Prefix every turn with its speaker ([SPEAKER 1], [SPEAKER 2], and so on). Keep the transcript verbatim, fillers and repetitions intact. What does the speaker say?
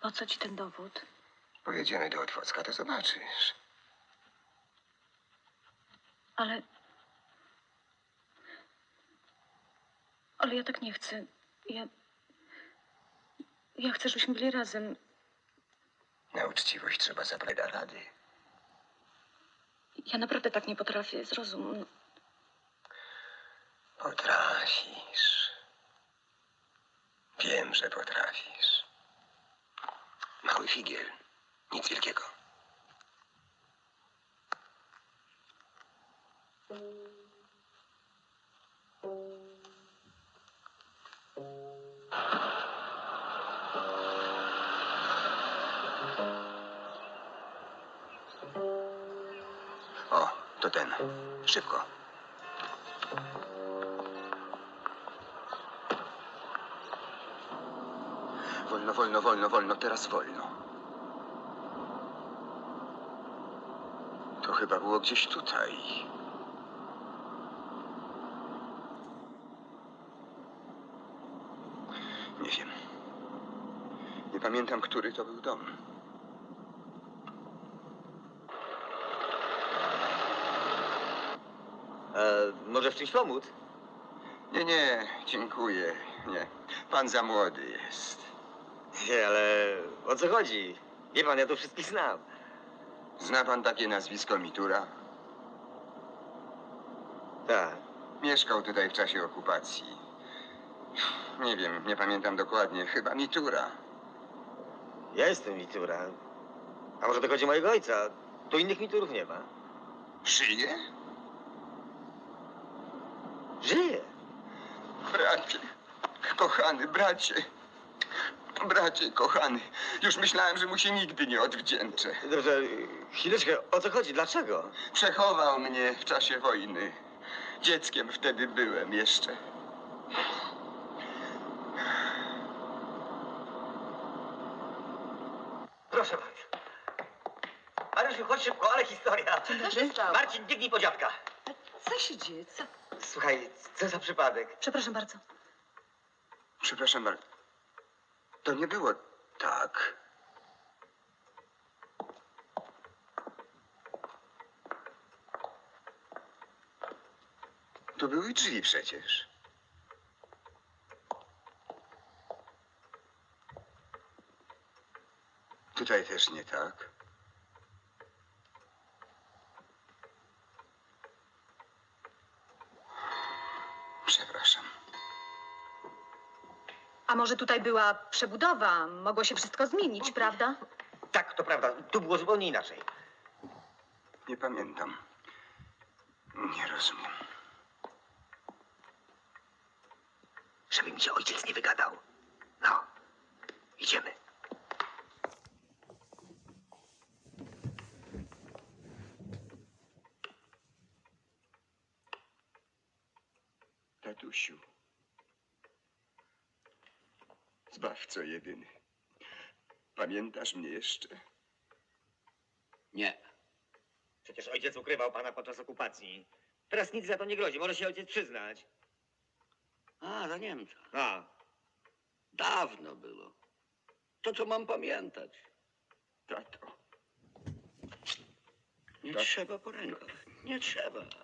[SPEAKER 1] Po co ci ten dowód?
[SPEAKER 2] Pojedziemy do Otwocka, to zobaczysz.
[SPEAKER 1] Ale... Ale ja tak nie chcę. Ja... Ja chcę, żebyśmy byli razem.
[SPEAKER 2] Na uczciwość trzeba zabrać do rady.
[SPEAKER 1] Ja naprawdę tak nie potrafię, zrozum.
[SPEAKER 2] Potrafisz. Wiem, że potrafisz. Mały figiel. Nic wielkiego. O, to ten. Szybko. Wolno, wolno, wolno, wolno. Teraz wolno. To chyba było gdzieś tutaj. Nie wiem. Nie pamiętam, który to był dom.
[SPEAKER 3] E, może w czymś pomóc?
[SPEAKER 2] Nie, nie, dziękuję. Nie. Pan za młody jest.
[SPEAKER 3] Nie, ale o co chodzi? Wie pan, ja tu wszystkich znam.
[SPEAKER 2] Zna pan takie nazwisko Mitura?
[SPEAKER 3] Tak.
[SPEAKER 2] Mieszkał tutaj w czasie okupacji. Nie wiem, nie pamiętam dokładnie. Chyba Mitura.
[SPEAKER 3] Ja jestem Mitura. A może to chodzi o mojego ojca? Tu innych Miturów nie ma.
[SPEAKER 2] Żyje?
[SPEAKER 3] Żyje.
[SPEAKER 2] Bracie, kochany bracie. Bracie, kochany. Już myślałem, że mu się nigdy nie odwdzięczę.
[SPEAKER 3] Dobrze, chwileczkę, o co chodzi? Dlaczego?
[SPEAKER 2] Przechował mnie w czasie wojny. Dzieckiem wtedy byłem jeszcze.
[SPEAKER 3] Proszę bardzo. Mariusz, chodź szybko, ale historia.
[SPEAKER 1] Co się stało?
[SPEAKER 3] Marcin, biegnij po dziadka.
[SPEAKER 1] Co się dzieje? Co?
[SPEAKER 3] Słuchaj, co za przypadek?
[SPEAKER 1] Przepraszam bardzo.
[SPEAKER 2] Przepraszam bardzo. To nie było tak. To były drzwi przecież. Tutaj też nie tak. Przepraszam.
[SPEAKER 1] A może tutaj była przebudowa? Mogło się wszystko zmienić, prawda?
[SPEAKER 3] Tak, to prawda. Tu było zupełnie inaczej.
[SPEAKER 2] Nie pamiętam. Nie rozumiem.
[SPEAKER 3] Żeby mi się ojciec nie wygadał. No, idziemy.
[SPEAKER 2] Tatusiu. Zbawco jedyny. Pamiętasz mnie jeszcze?
[SPEAKER 4] Nie.
[SPEAKER 3] Przecież ojciec ukrywał pana podczas okupacji. Teraz nic za to nie grozi. Może się ojciec przyznać.
[SPEAKER 4] A, za Niemca.
[SPEAKER 3] A,
[SPEAKER 4] Dawno było. To, co mam pamiętać.
[SPEAKER 2] Tato.
[SPEAKER 4] Nie
[SPEAKER 2] Tak.
[SPEAKER 4] trzeba po rękach. Nie trzeba.